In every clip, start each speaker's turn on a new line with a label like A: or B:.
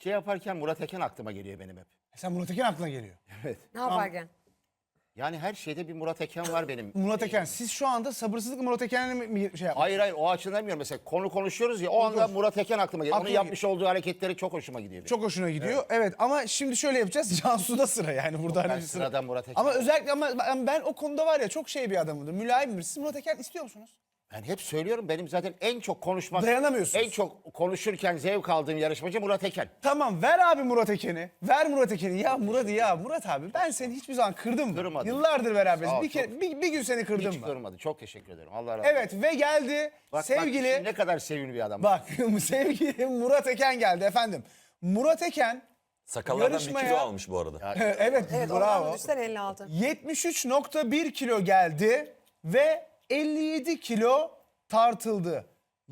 A: Şey yaparken Murat Eken aklıma geliyor benim hep.
B: Sen Murat Eken aklına geliyor.
A: Evet.
C: Ne yaparken?
A: Yani her şeyde bir Murat Eken var benim.
B: Murat Eken. Siz şu anda sabırsızlıkla Murat Eken'le mi şey yapmak?
A: Hayır o açıdan demiyorum. Mesela konu konuşuyoruz ya o anda Murat Eken aklıma geliyor. Onun
B: Aklıma
A: yapmış olduğu hareketleri çok hoşuma gidiyor. Benim.
B: Çok hoşuna gidiyor. Evet ama şimdi şöyle yapacağız. Cansu'da sıra yani burada
A: Ben
B: hani bir sıra.
A: sıradan Murat Eken.
B: Ama özellikle ben o konuda var ya çok şey bir adamımdır. Mülayimdir. Siz Murat Eken istiyor musunuz?
A: Ben hep söylüyorum benim zaten en çok konuşmak...
B: Dayanamıyorsunuz.
A: En çok konuşurken zevk aldığım yarışmacı Murat Eken.
B: Tamam ver abi Murat Eken'i. Ver Murat Eken'i. Ya Murat abi ben seni hiçbir zaman kırdım mı?
A: Kırmadım.
B: Yıllardır beraberiz.
A: Sağ ol,
B: bir gün seni kırdım
A: Hiç
B: mı?
A: kırmadı. Çok teşekkür ederim. Allah razı olsun.
B: Evet ve geldi
A: Bak,
B: sevgili...
A: Bak, ne kadar sevimli bir adam.
B: Bak sevgili Murat Eken geldi efendim. Murat Eken
D: Sakallardan
B: yarışmaya-
D: 1 kilo almış bu arada.
B: evet,
C: Evet
B: bravo.
C: oradan düşsen 56.
B: 73.1 kilo geldi ve 57 kilo tartıldı.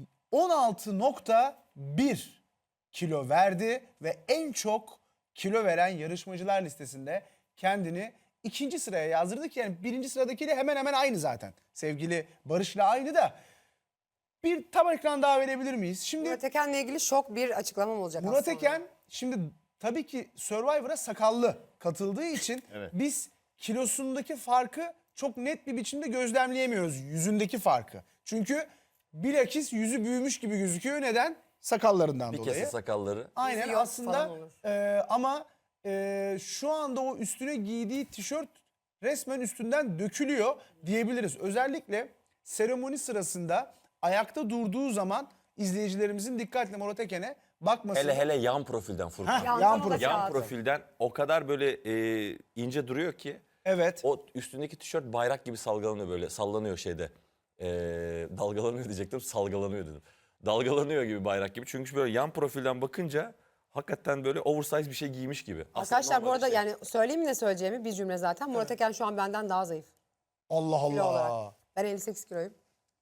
B: 16.1 kilo verdi ve en çok kilo veren yarışmacılar listesinde kendini ikinci sıraya yazdırdı ki yani birinci sıradakiyle hemen hemen aynı zaten. Sevgili Barış'la aynı da. Bir tam ekran daha verebilir miyiz? Şimdi
C: Murat Eken'le ilgili şok bir açıklamam olacak
B: Murat
C: aslında.
B: Eken şimdi tabii ki Survivor'a sakallı katıldığı için
A: Evet.
B: biz kilosundaki farkı çok net bir biçimde gözlemleyemiyoruz. Yüzündeki farkı. Çünkü bilakis yüzü büyümüş gibi gözüküyor. Neden? Sakallarından
D: Bir
B: dolayı.
D: kese sakalları.
B: Aynen
C: Yüzü yok
B: aslında
C: falan olur.
B: ama şu anda o üstüne giydiği tişört resmen üstünden dökülüyor diyebiliriz. Özellikle seremoni sırasında ayakta durduğu zaman izleyicilerimizin dikkatle Murat Eken'e bakması.
D: Hele yan profilden Furkan.
B: Heh,
C: Yan
B: yan
C: profil.
B: profil.
D: Yan
C: Kağıdı.
D: profilden o kadar böyle ince duruyor ki
B: Evet.
D: o üstündeki tişört bayrak gibi salgalanıyor böyle sallanıyor şeyde. Dalgalanıyor diyecektim salgalanıyor dedim. Dalgalanıyor gibi bayrak gibi çünkü böyle yan profilden bakınca hakikaten böyle oversize bir şey giymiş gibi. Aslında
C: Arkadaşlar bu
D: normal
C: arada
D: şey.
C: yani söyleyeyim ne söyleyeceğimi bir cümle zaten. Murat Eken şu an benden daha zayıf
B: Allah
C: kilo
B: Allah.
C: olarak. Ben 58 kiloyum.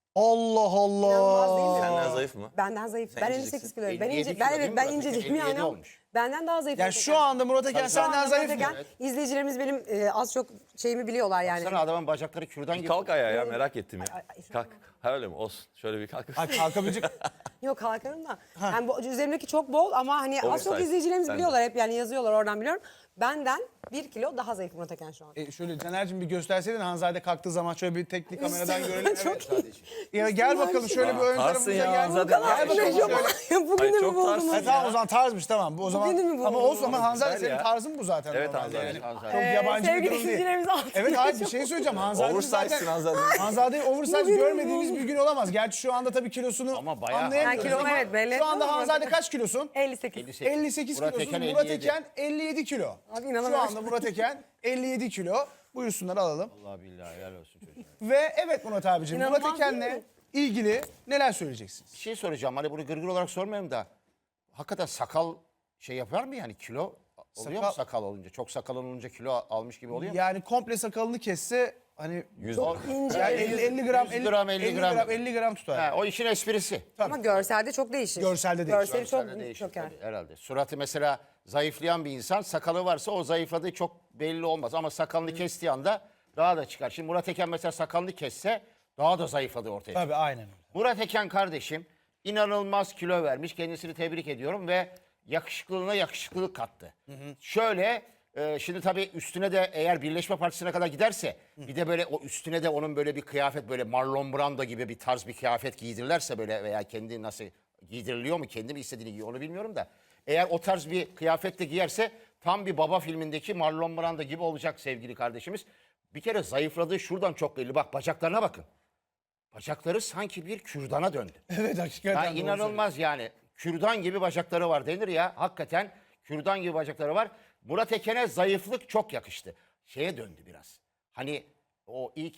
B: Allah
C: İnanılmaz değil mi?
B: Allah.
D: Senden zayıf mı?
C: Benden zayıf.
D: Sen
C: Ben
D: inceciksin.
C: 58 kiloyum. Ben
A: 57
C: ince,
A: kilo
C: ben
A: değil
C: evet
A: mi
C: ben
A: Murat Eken?
C: incecik mi
A: 57
C: yani?
A: olmuş.
C: Benden daha zayıf.
B: Yani
C: Murat
B: şu
C: Eken.
B: anda Murat Eken
C: Şu anda
B: senden zayıf
C: Murat
B: mı?
C: Eken, izleyicilerimiz benim az çok şeyimi biliyorlar yani.
A: Sana adamın bacakları kürdan gibi.
D: Kalk ayağa ya merak ettim ya.
C: Ay,
D: Kalk. Ha öyle mi? Olsun. Şöyle bir kalk.
B: Ay kalkabilecek.
C: Yok kalkarım da. Yani bu üzerimdeki çok bol ama hani az çok
D: Oversize.
C: izleyicilerimiz
D: Sen de.
C: biliyorlar hep yani yazıyorlar oradan biliyorum. Benden 1 kilo daha zayıf Murat Eken şu an.
B: Şöyle Caner'cim bir gösterseydin Hanzade kalktığı zaman şöyle bir tekli kameradan görelim.
C: Çok
B: Evet. Ya gel bakalım şöyle bir ön
D: Tarsın
B: tarafımıza
D: ya,
B: gel.
D: Hanzade.
B: Gel
D: Ay,
B: bakalım
D: çok
B: şöyle.
C: Bugün
D: Ay,
C: de mi
D: çok
C: buldunuz?
D: tarsın.
B: Tamam o zaman tarzmış tamam. O zaman
C: Bugünü mü
B: ama
C: buldun?
B: olsun ama Hanzade
D: Güzel
B: senin
D: ya.
B: tarzın bu zaten.
D: Evet,
B: normalde
D: Hanzade.
B: yani.
A: Hanzade.
B: Çok yabancı bir
C: sevgili
B: durum değil.
C: izleyicilerimiz altı
B: Evet
C: yaşıyor.
B: abi bir şey söyleyeceğim. Hanzade'nin
D: Oversize'sin
B: zaten
D: Hanzade.
B: Hanzade'yi oversize
C: Bugünü
B: görmediğimiz
C: buldum.
B: bir gün olamaz. Gerçi şu anda tabii kilosunu
A: Ama bayağı-
B: anlayamıyoruz.
C: Ha, kilonu
B: ama
C: evet, belli
B: Şu anda
C: etmem ama
B: Hanzade
C: Murat
B: kaç kilosun?
C: 58.
B: 58
A: Murat
B: kilosun.
A: Eken
B: Murat
A: 57.
B: Eken 57 kilo.
C: Abi
B: Şu
C: inanamıyorum.
B: anda Murat Eken 57 kilo. Buyursunlar alalım.
A: Allah billahi helal olsun çocuğa.
B: Ve evet Murat abiciğim
C: İnanılmaz
B: Murat
C: değil
B: Eken'le
C: mi?
B: ilgili neler söyleyeceksiniz?
A: Bir şey soracağım. Hani bunu gırgır olarak sormayayım da. Hakikaten sakal şey yapar mı yani kilo? Oluyor mu
B: Sakal-
A: sakal olunca? Çok sakal olunca kilo almış gibi oluyor mu?
B: Yani komple sakalını kesse hani
D: 100
C: İnce.
B: yani 50 gram
A: 100 gram, 50 gram.
B: 50 gram tutar.
A: Ha, o işin esprisi.
C: Ama görselde çok değişir.
B: Görselde değişir.
C: Görseli çok
A: Görselde değişir
C: çöker.
A: tabii, herhalde. Suratı mesela zayıflayan bir insan sakalı varsa o zayıfladığı çok belli olmaz. Ama sakalını kestiği anda daha da çıkar. Şimdi Murat Eken mesela sakalını kesse daha da zayıfladığı ortaya çıkar.
B: Tabii aynen öyle.
A: Murat Eken kardeşim inanılmaz kilo vermiş. Kendisini tebrik ediyorum ve yakışıklılığına yakışıklılık kattı. Şöyle şimdi tabii üstüne de eğer Birleşme Partisi'ne kadar giderse bir de böyle o üstüne de onun böyle bir kıyafet böyle Marlon Brando gibi bir tarz bir kıyafet giydirirlerse böyle veya kendi nasıl giydiriliyor mu kendi mi istediğini giyiyor onu bilmiyorum da eğer o tarz bir kıyafet de giyerse tam bir baba filmindeki Marlon Brando gibi olacak sevgili kardeşimiz. Bir kere zayıfladığı şuradan çok belli. Bak bacaklarına bakın. Bacakları sanki bir kürdana döndü.
B: Evet hakikaten.
A: Ya
B: doğru
A: inanılmaz yani. Kürdan gibi bacakları var denir ya. Hakikaten kürdan gibi bacakları var. Murat Eken'e zayıflık çok yakıştı. Şeye döndü biraz. Hani o ilk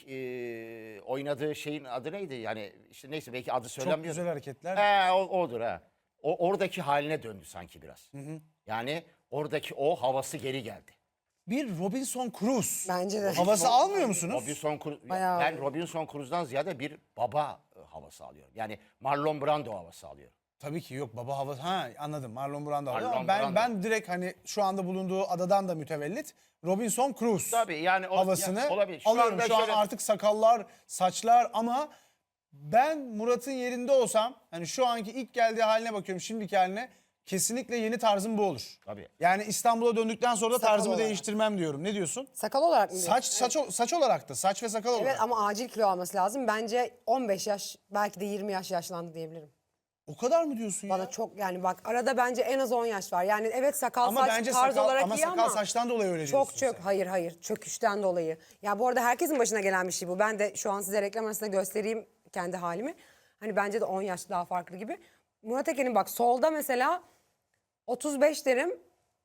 A: oynadığı şeyin adı neydi? Yani işte neyse belki adı
B: Çok
A: söylenmiyor.
B: güzel hareketler.
A: Odur ha. Oradaki haline döndü sanki biraz. Yani oradaki o havası geri geldi.
B: Bir Robinson Crusoe.
C: Bence de.
B: Havası almıyor musunuz?
A: Robinson Crusoe,
C: Bayağı.
A: ben Robinson Crusoe'dan ziyade bir baba havası alıyorum. Yani Marlon Brando havası alıyorum.
B: Tabii ki yok baba havası. Ha anladım Marlon Brando.
A: Marlon
B: Ama
A: Brando.
B: ben direkt hani şu anda bulunduğu adadan da mütevellit Robinson Crusoe
A: Tabii yani o
B: havasını
A: ya, olabilir.
B: alıyorum.
A: anda
B: Şu an
A: şöyle-
B: artık sakallar, saçlar ama ben Murat'ın yerinde olsam hani şu anki ilk geldiği haline bakıyorum şimdiki haline kesinlikle yeni tarzım bu olur.
A: Tabii.
B: Yani İstanbul'a döndükten sonra da
C: Sakal
B: tarzımı
C: olarak.
B: değiştirmem diyorum. Ne diyorsun?
C: Sakal olarak mı diyorsun?
B: Saç olarak da. Saç ve sakal olarak.
C: Evet ama acil kilo alması lazım. Bence 15 yaş belki de 20 yaş yaşlandı diyebilirim.
B: O kadar mı diyorsun ya?
C: Bana çok yani bak arada bence en az 10 yaş var. Yani evet sakal
B: Ama
C: saç
B: bence
C: tarz
B: sakal,
C: olarak
B: ama
C: iyi
B: sakal
C: ama
B: saçtan dolayı öyle diyorsun
C: çok
B: sen.
C: hayır çöküşten dolayı. Ya bu arada herkesin başına gelen bir şey bu. Ben de şu an size reklam arasında göstereyim kendi halimi. Hani bence de 10 yaş daha farklı gibi. Murat Eken'in bak solda mesela 35 derim.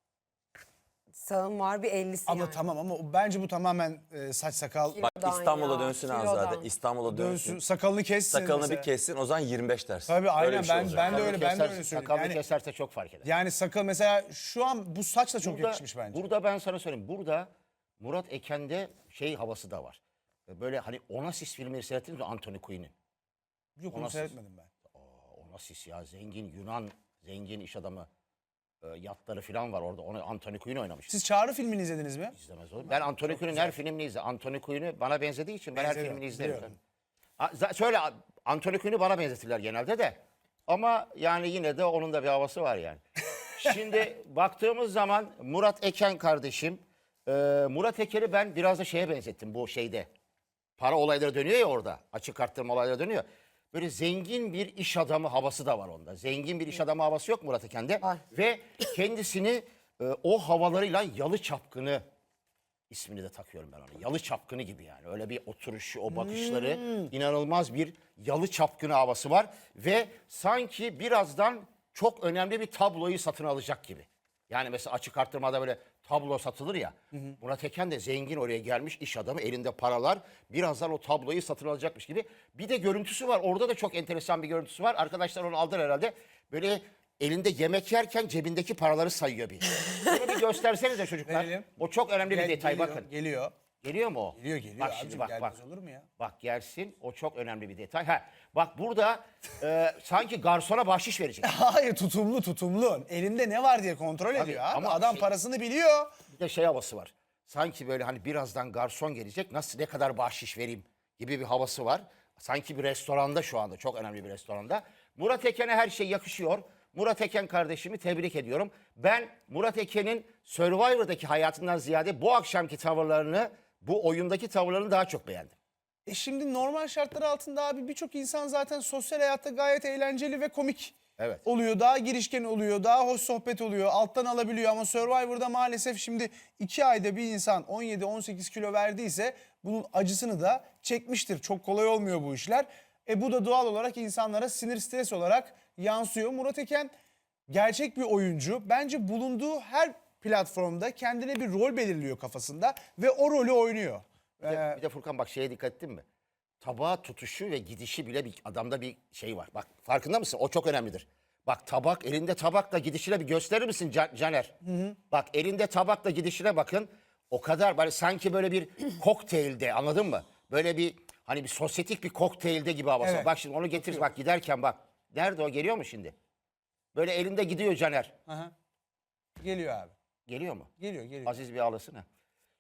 C: Sağım var bir 50'si
B: Ama
C: yani.
B: tamam ama bence bu tamamen saç sakal
D: Bak
C: Kilodan
D: İstanbul'a
C: ya,
D: dönsün
C: kilodan.
D: Azade. İstanbul'a
B: dönsün.
D: dönsün.
B: Sakalını kessin.
D: Sakalını
B: mesela.
D: bir kessin o zaman 25 dersin.
B: Tabii
D: Öyle
B: aynen
D: bir şey
B: ben
D: olacak.
B: ben de
A: Sakalını
B: öyle ben de
A: keserse-
B: öyle söylüyorum.
A: Sakalını
B: Yani,
A: keserse çok fark eder.
B: yani sakal mesela şu an bu saçla çok yakışmış bence.
A: Burada ben sana söyleyeyim. Burada Murat Eken'de şey havası da var. Böyle hani Onassis filmleri seyrettiniz mi Anthony Quinn'in?
B: Yok onu
A: nasıl-
B: seyretmedim ben.
A: Onassis ya zengin Yunan zengin iş adamı. Yatları falan var orada. Onu Anthony Quinn oynamış.
B: Siz Çağrı filmini izlediniz mi?
A: İzlemez olur. Ben Anthony Quinn'in her filmini izledim. Anthony Quinn'i bana benzediği için ben her
B: Benzemiyor,
A: filmini izlerim.
B: biliyorum.
A: Şöyle Anthony Quinn'i bana benzetirler genelde de. Ama yani yine de onun da bir havası var yani. Şimdi baktığımız zaman Murat Eken kardeşim. Murat Eken'i ben biraz da şeye benzettim bu şeyde. Para olayları dönüyor ya orada. Açık arttırma olayları dönüyor. Böyle zengin bir iş adamı havası da var onda. Zengin bir iş adamı havası yok Murat Eken'de.
C: Var.
A: Ve kendisini o havalarıyla Yalı Çapkını ismini de takıyorum ben ona. Yalı Çapkını gibi yani. Öyle bir oturuşu, o bakışları inanılmaz bir Yalı Çapkını havası var. Ve sanki birazdan çok önemli bir tabloyu satın alacak gibi. Yani mesela açık arttırmada böyle tablo satılır ya. Murat Eken de zengin oraya gelmiş iş adamı elinde paralar. Birazdan o tabloyu satın alacakmış gibi. Bir de görüntüsü var. Orada da çok enteresan bir görüntüsü var. Arkadaşlar onu aldılar herhalde. Böyle elinde yemek yerken cebindeki paraları sayıyor bir. Bunu bir göstersenize çocuklar.
B: Verelim.
A: O çok önemli bir detay
B: Geliyor,
A: bakın.
B: Geliyor.
A: Geliyor mu o?
B: Geliyor
A: Bak
B: abicim,
A: şimdi bak
B: gelmez
A: bak.
B: olur mu ya?
A: Bak gelsin o çok önemli bir detay. Ha, bak burada sanki garsona bahşiş verecek.
B: Hayır tutumlu. Elinde ne var diye kontrol ediyor abi.
A: ama
B: Adam
A: şey-
B: parasını biliyor.
A: Bir de şey havası var. Sanki böyle hani birazdan garson gelecek nasıl ne kadar bahşiş vereyim gibi bir havası var. Sanki bir restoranda şu anda çok önemli bir restoranda. Murat Eken'e her şey yakışıyor. Murat Eken kardeşimi tebrik ediyorum. Ben Murat Eken'in Survivor'daki hayatından ziyade bu akşamki tavırlarını, bu oyundaki tavırlarını daha çok beğendim.
B: Şimdi normal şartlar altında abi birçok insan zaten sosyal hayatta gayet eğlenceli ve komik
A: Evet.
B: oluyor. Daha girişken oluyor, daha hoş sohbet oluyor, alttan alabiliyor. Ama Survivor'da maalesef şimdi 2 ayda bir insan 17-18 kilo verdiyse bunun acısını da çekmiştir. Çok kolay olmuyor bu işler. Bu da doğal olarak insanlara sinir stres olarak yansıyor. Murat Eken gerçek bir oyuncu. Bence bulunduğu her platformda kendine bir rol belirliyor kafasında ve o rolü oynuyor.
A: Bir de Furkan bak şeye dikkat ettin mi? Tabağa tutuşu ve gidişi bile bir adamda bir şey var. Bak farkında mısın? O çok önemlidir. Bak tabak elinde tabakla gidişine bir gösterir misin Caner? Bak elinde tabakla gidişine bakın. O kadar böyle sanki böyle bir kokteylde anladın mı? Böyle bir hani bir sosyetik bir kokteylde gibi havası.
B: Evet.
A: Bak şimdi onu getir bak giderken bak. Nerede o geliyor mu şimdi? Böyle elinde gidiyor Caner.
B: Aha. Geliyor abi.
A: Geliyor mu?
B: Geliyor.
A: Aziz bir ağlasın ha.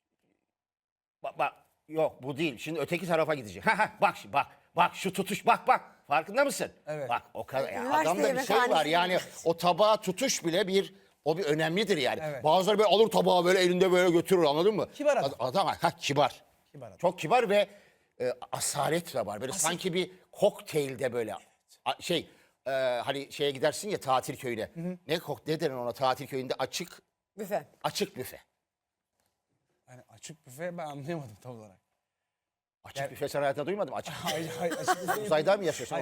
A: Bak yok bu değil. Şimdi öteki tarafa gidecek. Bak şimdi bak şu tutuş bak farkında mısın?
B: Evet.
A: Bak o kadar ya
C: Üniversite
A: adamda bir şey var
C: yemekhanesi
A: yani o tabağa tutuş bile bir önemlidir yani.
B: Evet.
A: Bazıları böyle alır tabağı böyle elinde böyle götürür anladın mı?
B: Kibar adam.
A: Adam kibar.
B: Kibar adam.
A: Çok kibar ve asalet de var. Böyle sanki bir kokteylde böyle hani şeye gidersin ya tatil köyüne. Ne denir ona tatil köyünde
C: Büfe.
A: açık büfe.
B: Yani açık büfe ben anlayamadım tam olarak.
A: Açık büfe sen hayatında duymadın mı? Açık
B: Hayır, açık büfe.
A: Uzayda mı yaşıyorsun?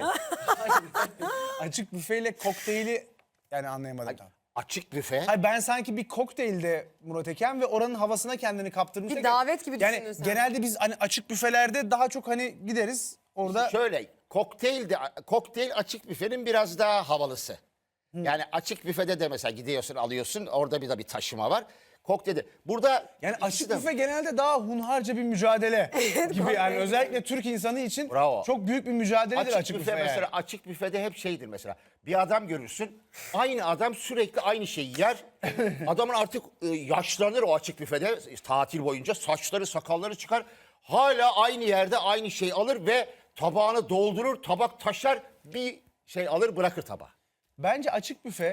B: Açık büfeyle kokteyli yani anlayamadım tam.
A: Açık büfe.
B: Hayır ben sanki bir kokteylde Murat Eken ve oranın havasına kendini kaptırmış.
C: Bir davet gibi
B: yani
C: düşündün sen.
B: genelde biz hani açık büfelerde daha çok hani gideriz orada.
A: Şöyle kokteyl açık büfenin biraz daha havalısı. Yani açık büfede de mesela gidiyorsun alıyorsun orada bir taşıma var. Kokteylde. Burada
B: Yani
A: ikisi
B: açık
A: de-
B: büfe genelde daha hunharca bir mücadele gibi yani
C: kokteyl.
B: özellikle Türk insanı için
A: Bravo.
B: çok büyük bir mücadeledir açık büfe,
A: mesela
B: yani.
A: açık büfede hep şeydir mesela. Bir adam görürsün. Aynı adam sürekli aynı şeyi yer. Adamın artık yaşlanır o açık büfede tatil boyunca saçları sakalları çıkar. Hala aynı yerde aynı şeyi alır ve tabağını doldurur. Tabak taşar bir şey alır bırakır tabağı.
B: Bence açık büfe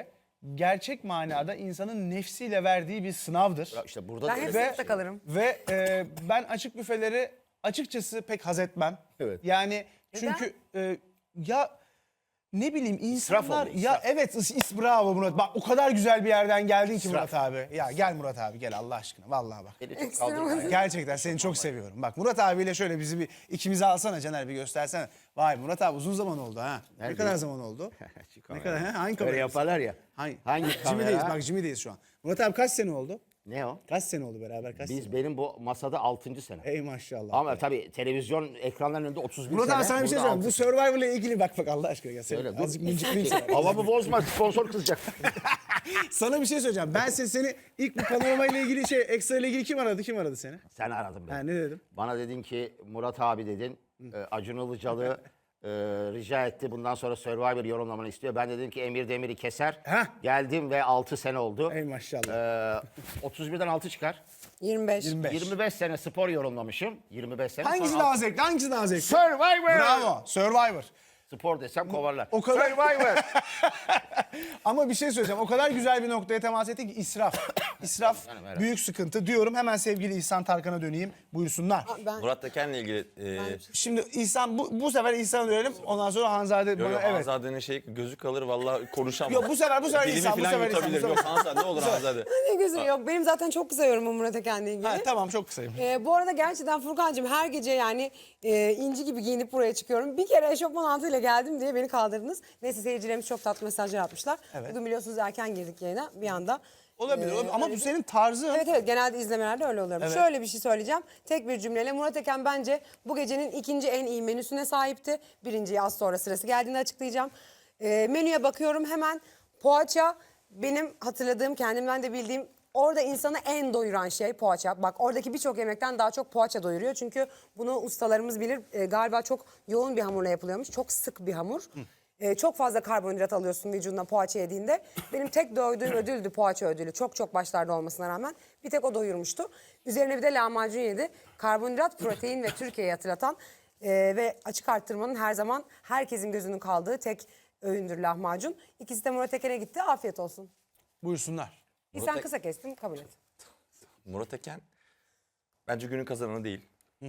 B: gerçek manada insanın nefsiyle verdiği bir sınavdır.
A: Ya işte burada
C: Ben
A: da
C: hep
A: öyle.
C: sınıfta kalırım.
B: Ve ben açık büfeleri açıkçası pek haz etmem.
A: Evet.
B: Yani çünkü ya ne bileyim insanlar
A: oluyor,
B: ya
A: israf.
B: evet bravo Murat. Bak o kadar güzel bir yerden geldin ki
A: İsraf.
B: Murat abi. Ya gel Murat abi gel Allah aşkına vallahi bak.
A: Eli çok kaldırma ya.
B: Gerçekten seni çok seviyorum. Bak Murat abiyle şöyle bizi bir ikimizi alsana Caner bir göstersene. Vay Murat abi uzun zaman oldu ha. Ne
A: Nerede?
B: kadar zaman oldu?
A: Şu
B: Ne
A: kamera.
B: kadar ha? Hangi
A: Böyle
B: kamera?
A: yaparlar ya. Hangi kamera?
B: Jimmy'deyiz bak Jimmy'deyiz şu an. Murat abi kaç sene oldu?
A: Ne o?
B: Kaç sene oldu beraber kaç sene?
A: Benim bu masada 6. sene.
B: Ey maşallah.
A: Ama tabii televizyon ekranlarının önünde 31
B: Murat
A: sene.
B: abi sana bir şey
A: burada
B: söyleyeyim. Bu Survivor'la ilgili bak Allah aşkına ya. Seni
A: Öyle, dur.
B: azıcık mıncıklayayım sana.
A: Havamı bozma, sponsor kızacak.
B: Sana bir şey söyleyeceğim. Ben seni ilk bu panorama ile ilgili ekstra ile ilgili kim aradı? Kim aradı seni?
A: Sen aradın beni.
B: Ha, ne dedim?
A: Bana dedin ki Murat abi dedin. Acun Ilıcalı rica etti. Bundan sonra Survivor yorumlamanı istiyor. Ben de dedim ki Emir Demir'i keser.
B: Heh.
A: Geldim ve 6 sene oldu.
B: Ey maşallah.
A: 31'den 6 çıkar.
C: 25.
B: 25.
A: 25 sene spor yorumlamışım. 25 sene.
B: Hangisi
A: sonra
B: daha zevkli? Hangisi daha zevkli?
A: Survivor.
B: Bravo. Survivor.
A: Spor desem kovarlar.
B: O kadar-
A: Survivor.
B: Ama bir şey söyleyeceğim. O kadar güzel bir noktaya temas ettik ki israf. İsraf
A: Canım, evet.
B: büyük sıkıntı diyorum. Hemen sevgili İhsan Tarkan'a döneyim. Buyursunlar.
C: Ben
D: Murat Teken'le ilgili
B: Şimdi İhsan bu sefer İhsan'a dönelim. Ondan sonra Hanzade bana evet.
D: Hanzade'nin şey gözü kalır vallahi konuşamam.
B: Yok bu sefer
D: Dilimi
B: İhsan. Bu
D: falan
B: sefer İhsan. bu
D: yutabilir.
B: sefer-
D: Yok Hanzade ne olur Hanzade.
C: ne gözüm yok. Benim zaten çok kısa yorumum Murat Eken'le ilgili.
B: Ha, tamam çok kısayım.
C: Bu arada gerçekten Furkan'cığım her gece yani inci gibi giyinip buraya çıkıyorum. Bir kere eşofman altıyla geldim diye beni kaldırdınız. Neyse seyircilerimiz çok tatlı mesajlar atmışlar.
B: Evet.
C: Bugün biliyorsunuz erken girdik yayına bir anda.
B: Olabilir ama
C: öyle
B: bu
C: bir-
B: senin tarzın.
C: Evet evet genelde izlemelerde öyle oluyorum.
B: Evet.
C: Şöyle bir şey söyleyeceğim. Tek bir cümleyle Murat Eken bence bu gecenin ikinci en iyi menüsüne sahipti. Birinciyi az sonra sırası geldiğinde açıklayacağım. Menüye bakıyorum hemen poğaça benim hatırladığım kendimden de bildiğim orada insanı en doyuran şey poğaça. Bak oradaki birçok yemekten daha çok poğaça doyuruyor. Çünkü bunu ustalarımız bilir. Galiba çok yoğun bir hamurla yapılıyormuş. Çok sık bir hamur. Çok fazla karbonhidrat alıyorsun vücuduna poğaça yediğinde. Benim tek doyduğum ödüldü poğaça ödülü. Çok çok başlarda olmasına rağmen bir tek o doyurmuştu. Üzerine bir de lahmacun yedi. Karbonhidrat, protein ve Türkiye'yi hatırlatan ve açık arttırmanın her zaman herkesin gözünün kaldığı tek öğündür lahmacun. İkisi de Murat Eken'e gitti. Afiyet olsun.
B: Buyursunlar.
C: Sen
D: Murat-
C: kısa kestin kabul et.
D: Murat Teken bence günün kazananı değil.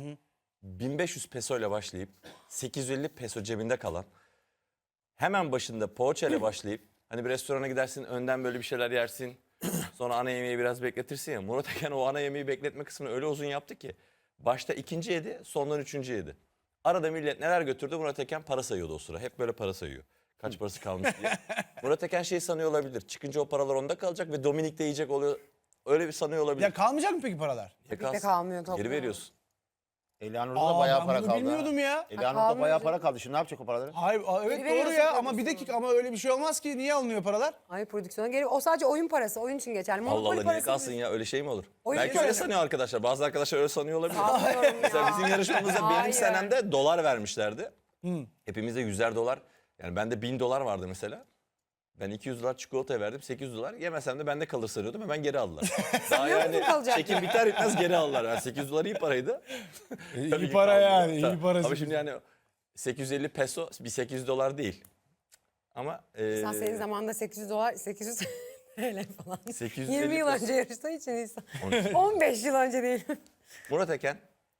D: 1500 peso ile başlayıp 850 peso cebinde kalan hemen başında poğaça ile başlayıp hani bir restorana gidersin önden böyle bir şeyler yersin. Sonra ana yemeği biraz bekletirsin ya. Murat Eken o ana yemeği bekletme kısmını öyle uzun yaptı ki. Başta ikinci yedi sondan üçüncü yedi. Arada millet neler götürdü Murat Eken para sayıyordu o sıra. Hep böyle para sayıyor. Kaç parası kalmış diye. Murat Eken şey sanıyor olabilir. Çıkınca o paralar onda kalacak ve Dominik de yiyecek oluyor. Öyle bir sanıyor olabilir.
B: Ya kalmayacak mı peki paralar?
D: Kalsın.
C: kalmıyor,
D: Geri
C: topluyor.
D: veriyorsun.
A: Elianur'da da bayağı
B: ben
A: para
B: bunu
A: kaldı.
B: bilmiyordum ya.
A: Elianur'da
C: kalmıyor
A: bayağı
C: canım.
A: para kaldı. Şimdi ne yapacak o paraları?
B: Hayır evet
C: Geri
B: doğru
C: veriyorsun
B: ya ama bir
C: prodüksiyona.
B: dakika ama öyle bir şey olmaz ki. Niye alınıyor paralar?
C: Ay prodüksiyona geliyor. O sadece oyun parası. Oyun için geçerli.
D: Allah
C: Monopoly
D: Allah niye
C: parası
D: kalsın
C: değil.
D: ya öyle şey mi olur?
C: Oyun
D: Belki
C: parası.
D: öyle sanıyor arkadaşlar. Bazı arkadaşlar öyle sanıyor olabilir.
C: Sanmıyorum ya.
D: Mesela bizim yarışmamızda benim
C: Hayır.
D: senemde dolar vermişlerdi. Hepimizde 100'er dolar. Yani bende 1000 dolar vardı mesela. Ben 200 dolar çikolataya verdim, 800 dolar. Yemesem de bende kalır sanıyordum. Hemen geri aldılar. Daha yani
C: kalacak?
D: çekim biter bitmez geri aldılar. Yani 800 dolar iyi paraydı. Tabii
B: İyi
D: ki
B: para
D: kaldı.
B: yani
D: Tabii.
B: iyi para.
D: Ama şimdi yani 850 peso bir 800 dolar değil. Ama
C: Sen senin zamanında 800 dolar, 800 TL falan.
D: 850
C: 20 yıl
D: peso.
C: önce yarıştığı için insan. 15 yıl önce değil.
D: Murat Eken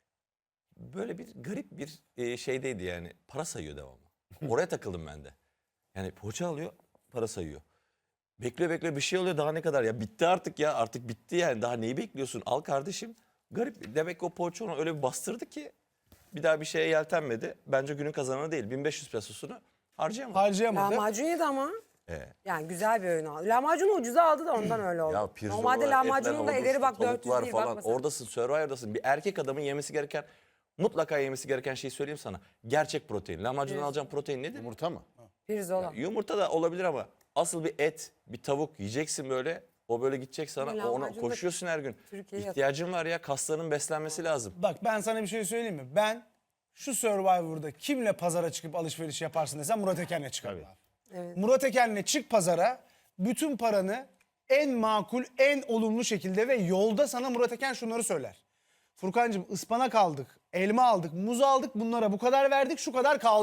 D: böyle bir garip bir şeydeydi yani. Para sayıyor devamlı. Oraya takıldım ben de. Yani poğaça alıyor, para sayıyor. Bekle bir şey oluyor daha ne kadar ya bitti artık ya artık bitti yani daha neyi bekliyorsun al kardeşim. Garip demek ki o poğaça onu öyle bir bastırdı ki bir daha bir şeye yeltenmedi. Bence günün kazananı değil 1500 pesosunu harcayamadı.
B: Harcayamadı.
C: Lahmacun yedi ama.
D: Ee,
C: Yani güzel bir öğün aldı. Lahmacunu ucuza aldı da ondan öyle oldu.
D: Ya pirzolalar,
C: Normalde lahmacunun da
D: etler,
C: ederi bak
D: havuçlu,
C: 400
D: tavuklar
C: değil
D: falan.
C: bak mesela.
D: Oradasın Survivor'dasın bir erkek adamın yemesi gereken mutlaka yemesi gereken şeyi söyleyeyim sana. Gerçek protein. Lahmacundan alacağın protein nedir?
A: Yumurta mı?
C: Pirzola.
D: Yumurta da olabilir ama asıl bir et, bir tavuk yiyeceksin böyle. O böyle gidecek sana.
C: Ama
D: Ona
C: lahmacun da
D: koşuyorsun her gün.
C: Türkiye'ye
D: İhtiyacın var ya kaslarının beslenmesi lazım.
B: Bak ben sana bir şey söyleyeyim mi? Ben şu Survivor'da kimle pazara çıkıp alışveriş yaparsın desem Murat Eken'le çıkarım abi.
C: Evet.
B: Murat Eken'le çık pazara bütün paranı en makul, en olumlu şekilde ve yolda sana Murat Eken şunları söyler. Furkancığım ıspanak aldık, elma aldık, muz aldık bunlara bu kadar verdik şu kadar kaldı.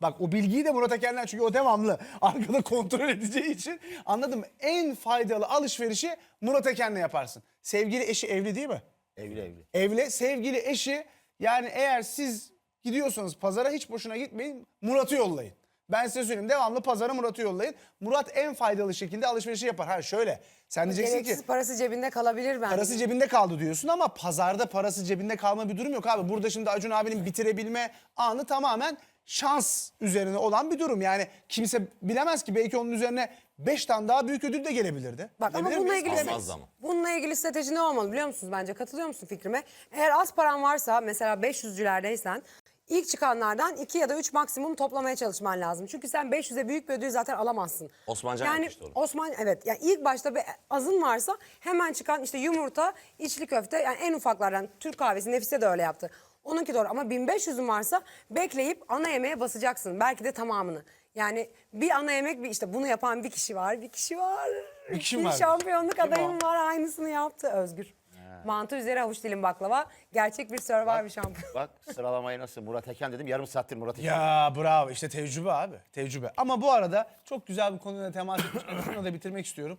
B: Bak o bilgiyi de Murat Eken'den, çünkü o devamlı arkada kontrol edeceği için anladım. En faydalı alışverişi Murat Eken'le yaparsın. Sevgili eşi evli değil mi?
A: Evli.
B: Evli, sevgili eşi, yani eğer siz gidiyorsanız pazara hiç boşuna gitmeyin, Murat'ı yollayın. Ben size söyleyeyim, devamlı pazara Murat'ı yollayın. Murat en faydalı şekilde alışverişi yapar. Ha şöyle, sen diyeceksin ki
C: Gereksiz parası cebinde kalabilir bence.
B: parası cebinde kaldı diyorsun ama pazarda parası cebinde kalma bir durum yok abi. Burada şimdi Acun abinin bitirebilme anı tamamen şans üzerine olan bir durum. Yani kimse bilemez ki, belki onun üzerine 5 tane daha büyük ödül de gelebilirdi.
C: Bak ama
B: Bilebilir
C: bununla
B: miyiz?
C: ilgili
D: Almazdı ama.
C: bununla ilgili strateji ne olmalı biliyor musunuz bence? Katılıyor musun fikrime? Eğer az paran varsa, mesela 500'cülerdeysen ilk çıkanlardan 2 ya da 3 maksimum toplamaya çalışman lazım. Çünkü sen 500'e büyük bir ödül zaten alamazsın.
D: Osmancan
C: yani
D: yapmıştı onu.
C: Osman, evet, yani ilk başta bir azın varsa hemen çıkan işte yumurta, içli köfte, yani en ufaklardan Türk kahvesi, Nefise de öyle yaptı. Onunki doğru, ama 1500'ün varsa bekleyip ana yemeğe basacaksın. Belki de tamamını. Yani bir ana yemek, bir işte bunu yapan bir kişi var. Bir kişi var.
B: Bir kişi
C: Bir
B: var.
C: şampiyonluk
B: Kim
C: adayım
B: o?
C: var, aynısını yaptı Özgür. Mantı üzeri havuç dilim baklava. Gerçek bir Survivor şampiyon.
A: Bak sıralamayı nasıl Murat Eken dedim. Yarım saattir Murat Eken.
B: Ya bravo, işte tecrübe abi, tecrübe. Ama bu arada çok güzel bir konuyla temas etmiş. Şunu da bitirmek istiyorum.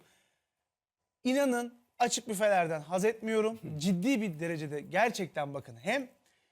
B: İnanın açık büfelerden haz etmiyorum. Ciddi bir derecede gerçekten, bakın, hem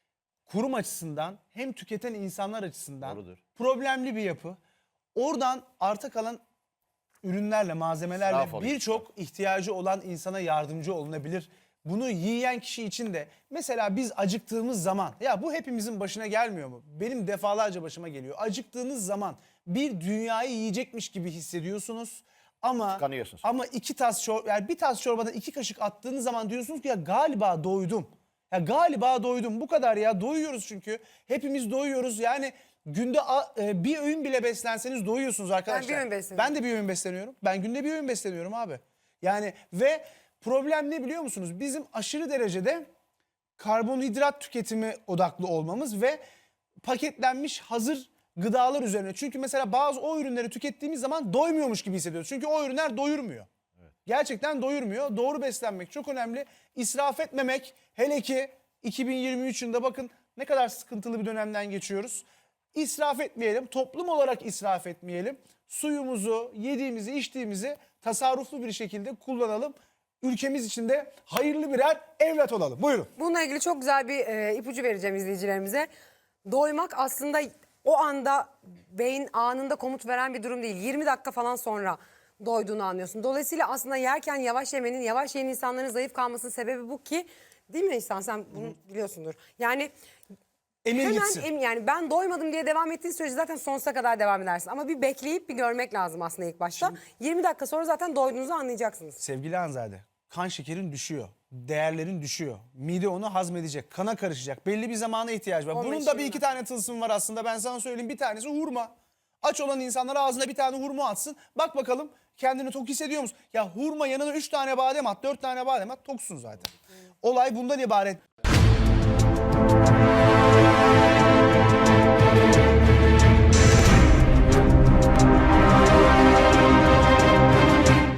B: kurum açısından hem tüketen insanlar açısından
A: Doğrudur.
B: problemli bir yapı. Oradan arta kalan ürünlerle, malzemelerle
A: İsraf oluyor.
B: birçok ihtiyacı olan insana yardımcı olunabilir. Bunu yiyen kişi için de, mesela biz acıktığımız zaman, ya bu hepimizin başına gelmiyor mu? Benim defalarca başıma geliyor. Acıktığınız zaman bir dünyayı yiyecekmiş gibi hissediyorsunuz. Ama
A: Tıkanıyorsunuz.
B: ama yani bir tas çorbadan 2 kaşık attığınız zaman diyorsunuz ki ya galiba doydum. Ya galiba doydum. Bu kadar ya. Doyuyoruz çünkü. Hepimiz doyuyoruz. Yani günde bir öğün bile beslenseniz doyuyorsunuz arkadaşlar.
C: bir öğün besleniyorum.
B: Ben de bir öğün besleniyorum. Ben günde bir öğün besleniyorum abi. Yani ve problem ne biliyor musunuz? Bizim aşırı derecede karbonhidrat tüketimi odaklı olmamız ve paketlenmiş hazır gıdalar üzerine. Çünkü mesela bazı o ürünleri tükettiğimiz zaman doymuyormuş gibi hissediyoruz. Çünkü o ürünler doyurmuyor. Gerçekten doyurmuyor. Doğru beslenmek çok önemli. İsraf etmemek, hele ki 2023 yılında bakın ne kadar sıkıntılı bir dönemden geçiyoruz. İsraf etmeyelim, toplum olarak israf etmeyelim. Suyumuzu, yediğimizi, içtiğimizi tasarruflu bir şekilde kullanalım. Ülkemiz için de hayırlı birer evlat olalım. Buyurun.
C: Bununla ilgili çok güzel bir ipucu vereceğim izleyicilerimize. Doymak aslında o anda beyin anında komut veren bir durum değil. 20 dakika falan sonra doyduğunu anlıyorsun. Dolayısıyla aslında yerken yavaş yemenin, yavaş yiyen insanların zayıf kalmasının sebebi bu ki, değil mi İhsan, sen bunu biliyorsundur. Yani
B: Emir
C: hemen
B: gitsin.
C: yani ben doymadım diye devam ettiğin sürece zaten sonsuza kadar devam edersin. Ama bir bekleyip bir görmek lazım aslında ilk başta. 20 dakika sonra zaten doyduğunuzu anlayacaksınız.
B: Sevgili Hanzade, kan şekerin düşüyor, değerlerin düşüyor. Mide onu hazmedecek, kana karışacak. Belli bir zamana ihtiyaç var.
C: 15
B: Bunun da bir
C: yıl
B: iki tane tılsım var aslında, ben sana söyleyeyim. Bir tanesi hurma. Aç olan insanlar ağzına bir tane hurma atsın. Bak bakalım kendini tok hissediyor musun? Ya hurma yanına 3 tane badem at, 4 tane badem at, toksun zaten. Olay bundan ibaret.